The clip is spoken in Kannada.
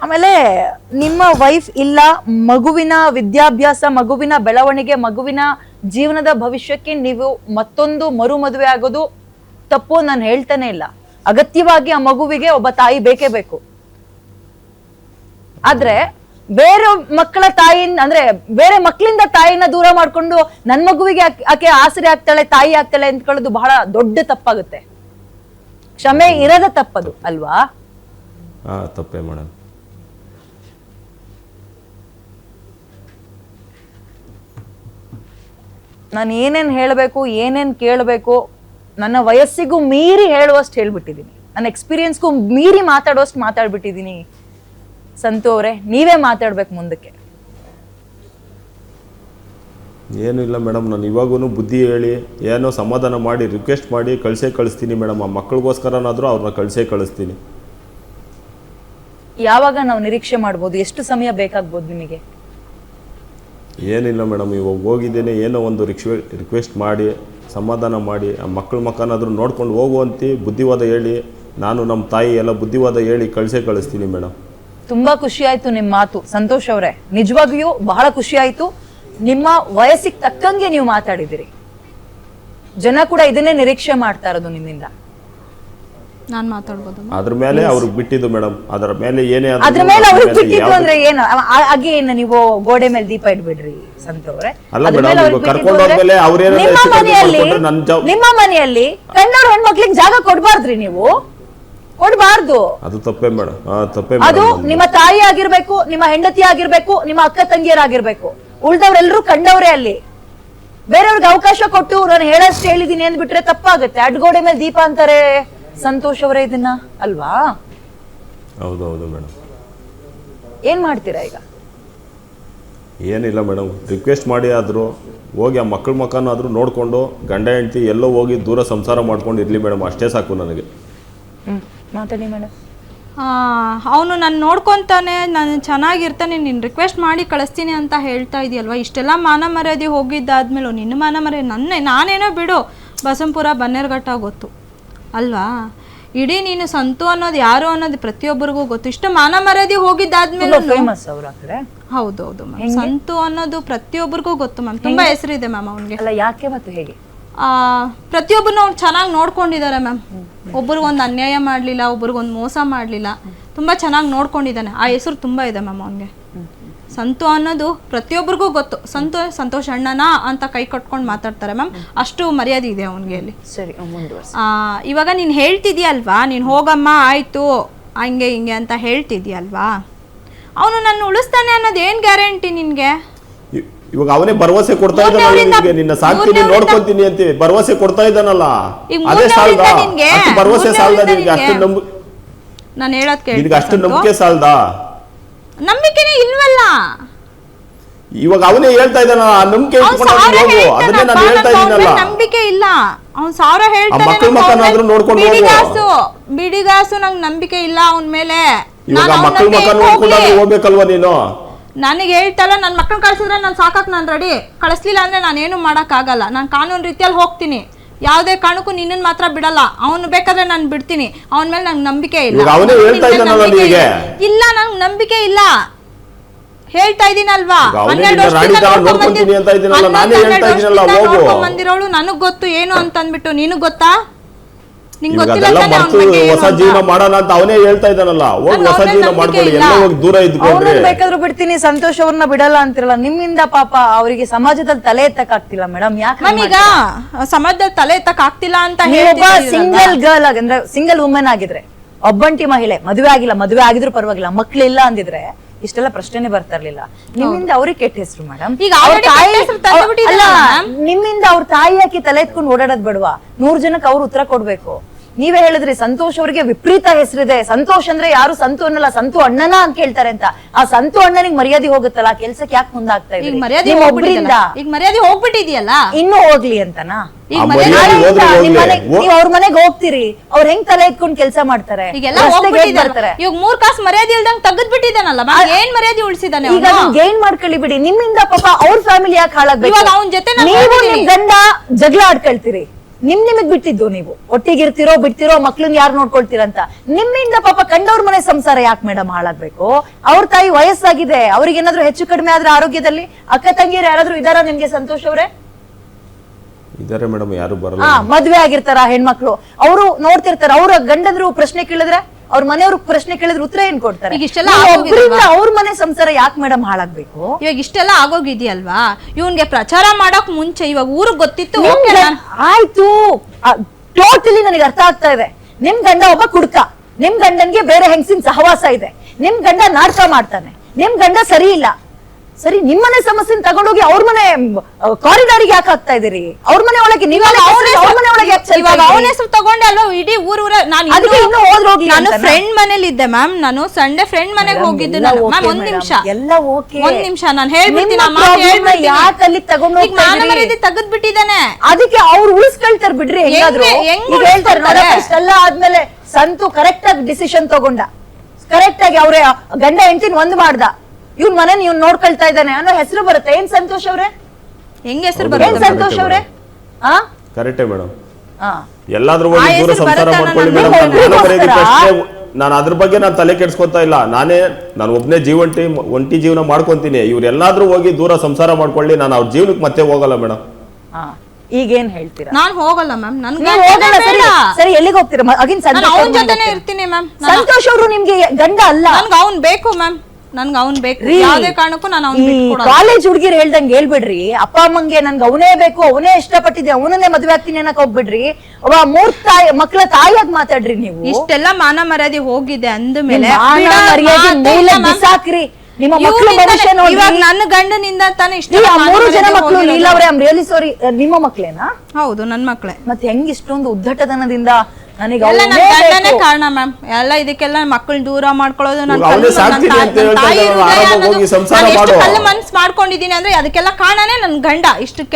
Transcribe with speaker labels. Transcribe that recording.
Speaker 1: ಆಮೇಲೆ ನಿಮ್ಮ ವೈಫ್ ಇಲ್ಲ, ಮಗುವಿನ ವಿದ್ಯಾಭ್ಯಾಸ, ಮಗುವಿನ ಬೆಳವಣಿಗೆ, ಮಗುವಿನ ಜೀವನದ ಭವಿಷ್ಯಕ್ಕೆ ನೀವು ಮತ್ತೊಂದು ಮರು ಮದುವೆ ಆಗೋದು ತಪ್ಪು ನಾನು ಹೇಳ್ತಾನೆ ಇಲ್ಲ. ಅಗತ್ಯವಾಗಿ ಆ ಮಗುವಿಗೆ ಒಬ್ಬ ತಾಯಿ ಬೇಕೇ ಬೇಕು. ಆದ್ರೆ ಬೇರೆ ಮಕ್ಕಳ ತಾಯಿಯಿಂದ ಅಂದ್ರೆ ಬೇರೆ ಮಕ್ಕಳಿಂದ ತಾಯಿನ ದೂರ ಮಾಡ್ಕೊಂಡು ನನ್ ಮಗುವಿಗೆ ಆಕೆ ಆಸರೆ ಆಗ್ತಾಳೆ, ತಾಯಿ ಆಗ್ತಾಳೆ ಅಂದ್ಕೊಳ್ಳೋದು ಬಹಳ ದೊಡ್ಡ ತಪ್ಪಾಗುತ್ತೆ. ಕ್ಷಮೆ ಇರದ ತಪ್ಪದು ಅಲ್ವಾ?
Speaker 2: ತಪ್ಪೇ ಮೇಡಮ್.
Speaker 1: ನಾನು ಏನೇನ್ ಹೇಳ್ಬೇಕು, ಏನೇನ್ ಕೇಳಬೇಕು, ನನ್ನ ವಯಸ್ಸಿಗೂ ಮೀರಿ ಹೇಳುವಷ್ಟು ಹೇಳ್ಬಿಟ್ಟಿದೀನಿ, ನನ್ನ ಎಕ್ಸ್ಪೀರಿಯನ್ಸ್ಗೂ ಮೀರಿ ಮಾತಾಡುವಷ್ಟು ಮಾತಾಡ್ಬಿಟ್ಟಿದೀನಿ. ಸಂತು ಅವರೇ, ನೀವೇ ಮಾತಾಡ್ಬೇಕು ಮುಂದಕ್ಕೆ.
Speaker 2: ಏನೂ ಇಲ್ಲ ಮೇಡಮ್, ನಾನು ಇವಾಗೂ ಬುದ್ಧಿ ಹೇಳಿ ಏನೋ ಸಮಾಧಾನ ಮಾಡಿ ರಿಕ್ವೆಸ್ಟ್ ಮಾಡಿ ಕಳಿಸ್ತೀನಿ ಮೇಡಮ್. ಆ ಮಕ್ಕಳಿಗೋಸ್ಕರನಾದರೂ ಅವ್ರನ್ನ ಕಳಿಸ್ತೀನಿ.
Speaker 1: ಯಾವಾಗ ನಾವು ನಿರೀಕ್ಷೆ ಮಾಡ್ಬೋದು? ಎಷ್ಟು ಸಮಯ ಬೇಕಾಗ್ಬೋದು ನಿಮಗೆ?
Speaker 2: ಏನಿಲ್ಲ ಮೇಡಮ್, ಇವಾಗ ಹೋಗಿದ್ದೇನೆ, ಏನೋ ಒಂದು ರಿಕ್ವೆಸ್ಟ್ ಮಾಡಿ ಸಮಾಧಾನ ಮಾಡಿ ಆ ಮಕ್ಕಳ ಮಕ್ಕನಾದರೂ ನೋಡ್ಕೊಂಡು ಹೋಗುವಂತೆ ಬುದ್ಧಿವಾದ ಹೇಳಿ, ನಾನು ನಮ್ಮ ತಾಯಿ ಎಲ್ಲ ಬುದ್ಧಿವಾದ ಹೇಳಿ ಕಳಿಸ್ತೀನಿ ಮೇಡಮ್.
Speaker 1: ತುಂಬಾ ಖುಷಿ ಆಯ್ತು ನಿಮ್ಮ ಮಾತು ಸಂತೋಷ್ ಅವರೇ, ನಿಜವಾಗಿಯೂ ಬಹಳ ಖುಷಿ ಆಯ್ತು. ನಿಮ್ಮ ವಯಸ್ಸಿಗೆ ತಕ್ಕಂಗೆ ನೀವು ಮಾತಾಡಿದಿರಿ. ಜನ ಕೂಡ ಇದನ್ನೇ ನಿರೀಕ್ಷೆ ಮಾಡ್ತಾ ಇರೋದು ನಿಮ್ಮಿಂದ.
Speaker 3: ನಾನ್ ಮಾತಾಡ್ಬೋದು?
Speaker 2: ಅದ್ರ ಮೇಲೆ ಅವ್ರಿಗೆ ಬಿಟ್ಟಿದ್ದು ಮೇಡಮ್. ಅದರ ಮೇಲೆ ಏನೇ
Speaker 1: ಅದ್ರ ಮೇಲೆ ಅವ್ರಿಗೆ ಬಿಟ್ಟಿದ್ದು ಅಂದ್ರೆ ಏನು? ಹಾಗೆ ಏನು ನೀವು ಗೋಡೆ ಮೇಲೆ ದೀಪ ಇಡ್ಬಿಡ್ರಿ ಸಂತವ್ರೆ. ನಿಮ್ಮ ಮನೆಯಲ್ಲಿ ಗಂಡವ್ರ ಹೆಣ್ಮಕ್ಳಿಗೆ ಜಾಗ ಕೊಡ್ಬಾರ್ದ್ರಿ ನೀವು, ಕೊಡ್ಬಾರ್ದು.
Speaker 2: ಅದು ತಪ್ಪೇ ಮೇಡಮ್, ತಪ್ಪೇ.
Speaker 1: ಅದು ನಿಮ್ಮ ತಾಯಿ ಆಗಿರ್ಬೇಕು, ನಿಮ್ಮ ಹೆಂಡತಿ ಆಗಿರ್ಬೇಕು, ನಿಮ್ಮ ಅಕ್ಕ ತಂಗಿಯರಾಗಿರ್ಬೇಕು. ಉಳ್ದವ್ರೆಲ್ರು ಕಂಡವ್ರೆ ಅಲ್ಲಿ. ಬೇರೆಯವ್ರಿಗೆ ಅವಕಾಶ ಕೊಟ್ಟು ನಾನು ಹೇಳಷ್ಟು ಹೇಳಿದೀನಿ ಅಂದ್ಬಿಟ್ರೆ ತಪ್ಪಾಗುತ್ತೆ. ಅಡ್ಗೋಡೆ ಮೇಲೆ ದೀಪ ಅಂತಾರೆ ಸಂತೋಷ್ ಅವರೇ ಇದನ್ನ, ಅಲ್ವಾ?
Speaker 2: ಹೌದೌದು ಮೇಡಮ್.
Speaker 1: ಏನ್ ಮಾಡ್ತೀರಾ ಈಗ?
Speaker 2: ಏನಿಲ್ಲ ಮೇಡಮ್, ರಿಕ್ವೆಸ್ಟ್ ಮಾಡಿ ಆದರೂ ಹೋಗಿ ಆ ಮಕ್ಕಳ ಮಕ್ಕನಾದರೂ ನೋಡಿಕೊಂಡು ಗಂಡ ಹೆಂಡತಿ ಎಲ್ಲೋ ಹೋಗಿ ದೂರ ಸಂಸಾರ ಮಾಡ್ಕೊಂಡು ಇರಲಿ ಮೇಡಮ್, ಅಷ್ಟೇ ಸಾಕು ನನಗೆ.
Speaker 1: ಮಾತಾಡಿ ಮೇಡಮ್.
Speaker 3: ಅವನು ನಾನು ನೋಡ್ಕೊತಾನೆ, ನಾನು ಚೆನ್ನಾಗಿರ್ತಾನೆ, ನೀನು ರಿಕ್ವೆಸ್ಟ್ ಮಾಡಿ ಕಳಿಸ್ತೀನಿ ಅಂತ ಹೇಳ್ತಾ ಇದೆಯಲ್ವ. ಇಷ್ಟೆಲ್ಲ ಮಾನ ಮರ್ಯಾದೆ ಹೋಗಿದ್ದಾದ್ಮೇಲೆ ನಿನ್ನ ಮಾನ ಮರ್ಯಾದೆ ನಾನೇನೋ ಬಿಡು, ಬಸಂಪುರ ಬನ್ನೇರ್ಘಟ್ಟ ಗೊತ್ತು ಅಲ್ವಾ? ಇಡೀ ನೀನು ಸಂತು ಅನ್ನೋದು ಯಾರು ಅನ್ನೋದು ಪ್ರತಿಯೊಬ್ಬರಿಗೂ ಗೊತ್ತು. ಇಷ್ಟು ಮಾನ ಮರ್ಯಾದೆ ಹೋಗಿದ್ದಾದ್ಮೇಲೆ ಹೌದೌದು ಮ್ಯಾಮ್, ಸಂತು ಅನ್ನೋದು ಪ್ರತಿಯೊಬ್ಬರಿಗೂ ಗೊತ್ತು ಮ್ಯಾಮ್. ತುಂಬಾ ಹೆಸರಿದೆ ಮ್ಯಾಮ್ ಅವನಿಗೆ.
Speaker 1: ಯಾಕೆ ಮತ್ತು ಹೇಗೆ?
Speaker 3: ಪ್ರತಿಯೊಬ್ಬರನ್ನ ಅವ್ರು ಚೆನ್ನಾಗಿ ನೋಡ್ಕೊಂಡಿದ್ದಾರೆ ಮ್ಯಾಮ್. ಒಬ್ರಿಗೊಂದು ಅನ್ಯಾಯ ಮಾಡಲಿಲ್ಲ, ಒಬ್ರಿಗೊಂದು ಮೋಸ ಮಾಡಲಿಲ್ಲ, ತುಂಬ ಚೆನ್ನಾಗಿ ನೋಡ್ಕೊಂಡಿದ್ದಾನೆ. ಆ ಹೆಸರು ತುಂಬ ಇದೆ ಮ್ಯಾಮ್ ಅವನಿಗೆ. ಸಂತು ಅನ್ನೋದು ಪ್ರತಿಯೊಬ್ಬರಿಗೂ ಗೊತ್ತು. ಸಂತೋಷ್ ಅಣ್ಣನಾ ಅಂತ ಕೈ ಕಟ್ಕೊಂಡು ಮಾತಾಡ್ತಾರೆ ಮ್ಯಾಮ್, ಅಷ್ಟು ಮರ್ಯಾದೆ ಇದೆ ಅವನಿಗೆ ಅಲ್ಲಿ.
Speaker 1: ಸರಿ,
Speaker 3: ಇವಾಗ ನೀನು ಹೇಳ್ತಿದ್ಯಲ್ವಾ, ನೀನು ಹೋಗಮ್ಮ ಆಯಿತು ಹಂಗೆ ಹಿಂಗೆ ಅಂತ ಹೇಳ್ತಿದ್ಯಲ್ವಾ, ಅವನು ನನ್ನ ಉಳಿಸ್ತಾನೆ ಅನ್ನೋದು ಏನು ಗ್ಯಾರಂಟಿ ನಿನಗೆ?
Speaker 2: ಇವಾಗ ಅವನೇ ಭರವಸೆ ಕೊಡ್ತಾ ಇದ್ದಾನಲ್ಲ, ನಿನ್ನ ಸಾಕ್ತೀನಿ ನೋಡ್ಕೊಂತೀನಿ ಅಂತ ಭರವಸೆ ಕೊಡ್ತಾ ಇದ್ದಾನಲ್ಲ, ಅದೇ ಸಾಲದ? ಭರವಸೆ ಸಾಲದ ನಿನಗೆ? ಅಷ್ಟು
Speaker 3: ನಾನು ಹೇಳೋದು ಕೇಳಿ,
Speaker 2: ನಿನಗೆ ಅಷ್ಟು ನಂಬಿಕೆ ಸಾಲದ?
Speaker 3: ನಂಬಿಕೆನೇ ಇಲ್ವಲ್ಲ.
Speaker 2: ಇವಾಗ ಅವನೇ ಹೇಳ್ತಾ ಇದ್ದಾನಲ್ಲ, ನಂಬಿಕೆ ಇಟ್ಕೊಂಡು ಹೋಗು, ಅದನ್ನೇ ನಾನು ಹೇಳ್ತಾ ಇದ್ದೀನಲ್ಲ.
Speaker 3: ನಂಬಿಕೆ ಇಲ್ಲ, ಅವ್ನು ಸಾವಿರ ಹೇಳ್ತಾನೆ,
Speaker 2: ಮಕ್ಕಳ ಮಕ್ಕನಾದ್ರೂ ನೋಡ್ಕೊಂಡು
Speaker 3: ಬಿಡಿಗಾಸು ನಂಗೆ ನಂಬಿಕೆ ಇಲ್ಲ ಅವನ ಮೇಲೆ.
Speaker 2: ಇವಾಗ ಮಕ್ಕಳ ಮಕ್ಕ ನೋಡ್ಕೊಂಡಾದ್ರೂ ಹೋಗ್ಬೇಕಲ್ವಾ ನೀನು?
Speaker 3: ನನಗೆ ಹೇಳ್ತಲ್ಲ, ನನ್ನ ಮಕ್ಕಳನ್ನ ಕಳ್ಸಿದ್ರೆ ನಾನು ಸಾಕಕ್ಕೆ ನಾನು ರೆಡಿ, ಕಳಿಸ್ಲಿಲ್ಲ ಅಂದರೆ ನಾನೇನು ಮಾಡೋಕ್ಕಾಗಲ್ಲ. ನಾನು ಕಾನೂನು ರೀತಿಯಲ್ಲಿ ಹೋಗ್ತೀನಿ, ಯಾವುದೇ ಕಾರಣಕ್ಕೂ ನಿನ್ನನ್ನು ಮಾತ್ರ ಬಿಡಲ್ಲ. ಅವನು ಬೇಕಾದ್ರೆ ನಾನು ಬಿಡ್ತೀನಿ, ಅವನ ಮೇಲೆ ನಂಗೆ ನಂಬಿಕೆ ಇಲ್ಲ. ಇಲ್ಲ, ನಂಗೆ ನಂಬಿಕೆ ಇಲ್ಲ, ಹೇಳ್ತಾ ಇದೀನಲ್ವಾ. 12 ವರ್ಷದಿಂದ ಬಂದಿರೋಳು, ನನಗ್ ಗೊತ್ತು ಏನು ಅಂತ ಅಂದ್ಬಿಟ್ಟು. ನಿನಗ್ ಗೊತ್ತಾ?
Speaker 2: ಹೊಸ ಜೀವನ ಮಾಡೋಣ ಅಂತ ಅವನೇ ಹೇಳ್ತಾ ಇದ್ದಾನಲ್ಲ, ಹೋಗಿ ಹೊಸ ಜೀವನ ಮಾಡ್ಕೊಳ್ಳಿ, ಎಲ್ಲ ಹೋಗಿ ದೂರ ಇದ್ಕೊಂಡ್ರೆ.
Speaker 1: ಬೇಕಾದ್ರೂ ಬಿಡ್ತೀನಿ, ಸಂತೋಷ್ ಅವ್ರನ್ನ ಬಿಡಲ್ಲ ಅಂತಿರಲ್ಲ. ನಿಮ್ಮಿಂದ ಪಾಪ ಅವರಿಗೆ ಸಮಾಜದಲ್ಲಿ ತಲೆ ಎತ್ತಕ್ ಆಗ್ತಿಲ್ಲ ಮೇಡಮ್. ಯಾಕೆ
Speaker 3: ಈಗ ಸಮಾಜದಲ್ಲಿ ತಲೆ ಎತ್ತಕ್ ಆಗ್ತಿಲ್ಲ ಅಂತ
Speaker 1: ಸಿಂಗಲ್ ಗರ್ಲ್ ಅಂದ್ರೆ ಸಿಂಗಲ್ ವುಮೆನ್ ಆಗಿದ್ರೆ, ಒಬ್ಬಂಟಿ ಮಹಿಳೆ, ಮದುವೆ ಆಗಿಲ್ಲ, ಮದುವೆ ಆಗಿದ್ರು ಪರವಾಗಿಲ್ಲ, ಮಕ್ಳಿಲ್ಲ ಅಂದಿದ್ರೆ ಇಷ್ಟೆಲ್ಲ ಪ್ರಶ್ನೆ ಬರ್ತಾ ಇರ್ಲಿಲ್ಲ. ನಿಮ್ಮಿಂದ ಅವ್ರಿಗೆ ಕೆಟ್ಟ ಹೆಸರು ಮೇಡಮ್. ಈಗ ನಿಮ್ಮಿಂದ ಅವ್ರ ತಾಯಿ ಹಾಕಿ ತಲೆ ಎತ್ಕೊಂಡು ಓಡಾಡೋದ್ ಬೇಡವಾ? 100 ಜನಕ್ಕೆ ಅವ್ರು ಉತ್ತರ ಕೊಡ್ಬೇಕು. ನೀವೇ ಹೇಳಿದ್ರಿ ಸಂತೋಷ್ ಅವರಿಗೆ ವಿಪರೀತ ಹೆಸರಿದೆ. ಸಂತೋಷ್ ಅಂದ್ರೆ ಯಾರು ಸಂತು ಅನ್ನಲ್ಲ, ಸಂತು ಅಣ್ಣನ ಅಂತ ಕೇಳ್ತಾರೆ ಅಂತ. ಆ ಸಂತು ಅಣ್ಣನಿಗೆ ಮರ್ಯಾದೆ ಹೋಗುತ್ತಲ್ಲ, ಕೆಲ್ಸಕ್ಕೆ ಯಾಕೆ ಮುಂದಾಗ್ತಾ ಇದೆ?
Speaker 3: ಈಗ ಮರ್ಯಾದೆ ಹೋಗ್ಬಿಟ್ಟಿದ್ಯಲ್ಲ,
Speaker 1: ಇನ್ನೂ ಹೋಗ್ಲಿ ಅಂತನಾ? ನೀವ್ ಅವ್ರ ಮನೆಗೆ ಹೋಗ್ತೀರಿ, ಅವ್ರ ಹೆಂಗ್ ತಲೆ ಎತ್ಕೊಂಡು ಕೆಲಸ ಮಾಡ್ತಾರೆ?
Speaker 3: ಈಗ 3 ಕಾಸು ಮರ್ಯಾದೆ ಇಲ್ದಂಗ್ ತೆಗೆದ್ ಬಿಟ್ಟಿದ್ದಾನಲ್ಲ, ಏನ್ ಮರ್ಯಾದೆ ಉಳಿಸಿದಾನೆ?
Speaker 1: ಈಗ ಗೇನ್ ಮಾಡ್ಕೊಳ್ಳಿ ಬಿಡಿ. ನಿಮ್ಮಿಂದ ಪಾಪ ಅವ್ರ ಫ್ಯಾಮಿಲಿ ಯಾಕೆ ಹಾಳಾಗ್ಬೇಕು?
Speaker 3: ಅವನ ಜೊತೆ
Speaker 1: ನೀವು ನಿಮ್ ಗಂಡ ಜಗಳ ಆಡ್ಕೊಳ್ತೀರಿ, ನಿಮಗ್ ಬಿಟ್ಟಿದ್ದು, ನೀವು ಒಟ್ಟಿಗಿರ್ತಿರೋ ಬಿಡ್ತಿರೋ ಮಕ್ಳನ್ನ ಯಾರು ನೋಡ್ಕೊಳ್ತೀರಂತ. ನಿಮ್ಮಿಂದ ಪಾಪ ಕಂಡವ್ರ ಮನೆ ಸಂಸಾರ ಯಾಕೆ ಮೇಡಮ್ ಹಾಳಾಗ್ಬೇಕು? ಅವ್ರ ತಾಯಿ ವಯಸ್ಸಾಗಿದೆ, ಅವ್ರಿಗೆ ಏನಾದ್ರು ಹೆಚ್ಚು ಕಡಿಮೆ ಆದ್ರೆ ಆರೋಗ್ಯದಲ್ಲಿ ಅಕ್ಕ ತಂಗಿಯರು ಯಾರಾದ್ರೂ ಇದಾರ ನಿಮ್ಗೆ ಸಂತೋಷ್ ಅವ್ರೆ?
Speaker 2: ಇದಾರೆ ಮೇಡಮ್, ಯಾರು ಬರಲ್ಲ.
Speaker 1: ಮದ್ವೆ ಆಗಿರ್ತಾರ ಹೆಣ್ಮಕ್ಳು, ಅವರು ನೋಡ್ತಿರ್ತಾರ, ಅವ್ರ ಗಂಡಂದ್ರು ಪ್ರಶ್ನೆ ಕೇಳಿದ್ರೆ, ಅವ್ರ ಮನೆಯವ್ರ ಪ್ರಶ್ನೆ ಕೇಳಿದ್ರೆ ಉತ್ತರ ಏನ್ ಕೊಡ್ತಾರೆ? ಅವ್ರ ಮನೆ ಸಂಸಾರ ಯಾಕೆ ಮೇಡಮ್ ಹಾಳಾಗ್ಬೇಕು?
Speaker 3: ಇವಾಗ ಇಷ್ಟೆಲ್ಲ ಆಗೋಗಿದ್ಯಲ್ವಾ, ಇವನ್ಗೆ ಪ್ರಚಾರ ಮಾಡಕ್ ಮುಂಚೆ ಇವಾಗ ಊರಿಗೆ ಗೊತ್ತಿತ್ತು.
Speaker 1: ಆಯ್ತು, ಟೋಟಲಿ ನನಗೆ ಅರ್ಥ ಆಗ್ತಾ ಇದೆ. ನಿಮ್ ಗಂಡ ಒಬ್ಬ ಕುಡ್ಕ, ನಿಮ್ ಗಂಡನ್ಗೆ ಬೇರೆ ಹೆಂಗಸಿನ ಸಹವಾಸ ಇದೆ, ನಿಮ್ ಗಂಡ ನಾಟಕ ಮಾಡ್ತಾನೆ, ನಿಮ್ ಗಂಡ ಸರಿ ಇಲ್ಲ. ಸರಿ, ನಿಮ್ಮನೆ ಸಮಸ್ಯೆ ತಗೊಂಡೋಗಿ ಅವ್ರ ಮನೆ ಕಾರಿಡಾರಿಗೆ ಯಾಕೆ ಹಾಕ್ತಾ ಇದೀರಿ? ಅವ್ರ ಮನೆ ಒಳಗೆ
Speaker 3: ಅವನ ಹೆಸರು ತಗೊಂಡೆ ಅಲ್ವಾ ಇಡೀ ಊರೂರ. ನಾನು ಫ್ರೆಂಡ್ ಮನೇಲಿ ಇದ್ದೆ ಮ್ಯಾಮ್, ನಾನು ಸಂಡೇ ಫ್ರೆಂಡ್ ಮನೆಗೆ ಹೋಗಿದ್ದೆ. ಮ್ಯಾಮ್ ಒಂದ್ ನಿಮಿಷ, ಒಂದ್ ನಿಮಿಷ ನಾನು ಹೇಳ್ಬಿಡ್ತೀನಿ. ಮಾನ ಮರ್ಯಾದೆ ತೆಗೆದ್ ಬಿಟ್ಟಿದ್ದಾನೆ,
Speaker 1: ಅದಕ್ಕೆ ಅವ್ರು ಉಳಿಸ್ಕೊಳ್ತಾರೆ ಬಿಡ್ರಿ. ಎಲ್ಲ ಆದ್ಮೇಲೆ ಸಂತು ಕರೆಕ್ಟ್ ಆಗಿ ಡಿಸಿಷನ್ ತಗೊಂಡ, ಕರೆಕ್ಟ್ ಆಗಿ ಅವ್ರೆ ಗಂಡ ಹೆಂಡತಿನ ಒಂದ್ ಮಾಡ್ದ, ಇವ್ನ ಮನೆ ಇವ್ನ್ ನೋಡ್ಕೊಳ್ತಾ ಇದ್ದಾನೆ ಅನ್ನೋ ಹೆಸರು ಬರುತ್ತೆ. ಏನ್ ಸಂತೋಷ್ ಅವ್ರೆ?
Speaker 3: ಹೆಂಗ್ ಹೆಸರು ಬರುತ್ತೆ
Speaker 1: ಸಂತೋಷ್ ಅವ್ರೆ?
Speaker 2: ಕರೆಕ್ಟೇ ಮೇಡಮ್. ಎಲ್ಲಾದ್ರೂ ಹೋಗಿ ದೂರ ಸಂಸಾರ ಮಾಡ್ಕೊಳ್ಳಿ ಮೇಡಮ್. ನಾನು ಅದ್ರ ಬಗ್ಗೆ ನಾನು ತಲೆ ಕೆಡ್ಸ್ಕೊತಾ ಇಲ್ಲ. ನಾನು ಒಬ್ನೇ ಒಂಟಿ ಜೀವನ ಮಾಡ್ಕೊಂತೀನಿ. ಇವ್ರು ಎಲ್ಲಾದ್ರೂ ಹೋಗಿ ದೂರ ಸಂಸಾರ ಮಾಡ್ಕೊಳ್ಳಿ, ನಾನು ಅವ್ರ ಜೀವನಕ್ಕೆ ಮತ್ತೆ ಹೋಗಲ್ಲ ಮೇಡಮ್.
Speaker 1: ಈಗೇನ್ ಹೇಳ್ತೀರಾ?
Speaker 3: ನಾನ್ ಹೋಗಲ್ಲ ಮ್ಯಾಮ್.
Speaker 1: ಸರಿ, ಎಲ್ಲಿಗೆ ಹೋಗ್ತೀರಾ?
Speaker 3: ಅವನ ಜೊತೆನೆ ಇರ್ತೀನಿ ಮ್ಯಾಮ್.
Speaker 1: ಸಂತೋಷ್ ಅವರು ನಿಮ್ಗೆ ಗಂಡ ಅಲ್ಲ,
Speaker 3: ನನ್ಗೆ ಅವ್ನ್ ಬೇಕು ಮ್ಯಾಮ್, ನನ್ಗೆ ಅವ್ನ್ ಬೇಕು. ಯಾವ್ದೇ ಕಾರಣಕ್ಕೂ ನಾನು
Speaker 1: ಕಾಲೇಜ್ ಹುಡುಗಿರ್ ಹೇಳ್ದಂಗೆ ಹೇಳ್ಬಿಡ್ರಿ. ಅಪ್ಪ ಅಮ್ಮಂಗೆ ನನ್ಗೆ ಅವನೇ ಬೇಕು, ಅವನೇ ಇಷ್ಟಪಟ್ಟಿದ್ದೆ, ಅವನನ್ನೇ ಮದ್ವೆ ಆಗ್ತೀನಿ ಅನ್ನಕ್ ಹೋಗ್ಬಿಡ್ರಿ. ಒಬ್ಬ 3 ತಾಯಿ ಮಕ್ಳ ತಾಯಿಯಾಗಿ ಮಾತಾಡ್ರಿ ನೀವು.
Speaker 3: ಇಷ್ಟೆಲ್ಲ ಮಾನ ಮರ್ಯಾದೆ ಹೋಗಿದೆ ಅಂದ ಮೇಲೆ
Speaker 1: ಬಿಸಾಕ್ರಿ. ನಿಮ್ಮ ಮಕ್ಕಳ ಭವಿಷ್ಯ ನೋಡಿ.
Speaker 3: ಇವಾಗ ನನ್ನ ಗಂಡನಿಂದ ತಾನೇ ಇಷ್ಟ.
Speaker 1: 3 ಜನ ಮಕ್ಕಳು ಲೀಲಾ ಅವ್ರೆ, ಐ ಆಮ್ ರಿಯಲಿ ಸಾರಿ. ನಿಮ್ಮ ಮಕ್ಳೇನಾ?
Speaker 3: ಹೌದು, ನನ್ ಮಕ್ಳೇ.
Speaker 1: ಮತ್ತೆ ಹೆಂಗ್ ಇಷ್ಟೊಂದು ಉದ್ದಟತನದಿಂದ? ನನಗೆ
Speaker 3: ಗಂಡನೇ ಕಾರಣ ಮ್ಯಾಮ್. ಎಲ್ಲ ಇದಕ್ಕೆಲ್ಲ ಮಕ್ಕಳು ದೂರ ಮಾಡ್ಕೊಳ್ಳೋದು. ನಾನು ಕಲ್ಲು ಮನ್ಸ್ ಮಾಡ್ಕೊಂಡಿದೀನಿ ಅಂದ್ರೆ ಅದಕ್ಕೆಲ್ಲ ಕಾರಣನೇ ನನ್ ಗಂಡ. ಇಷ್ಟಕ್ಕೆ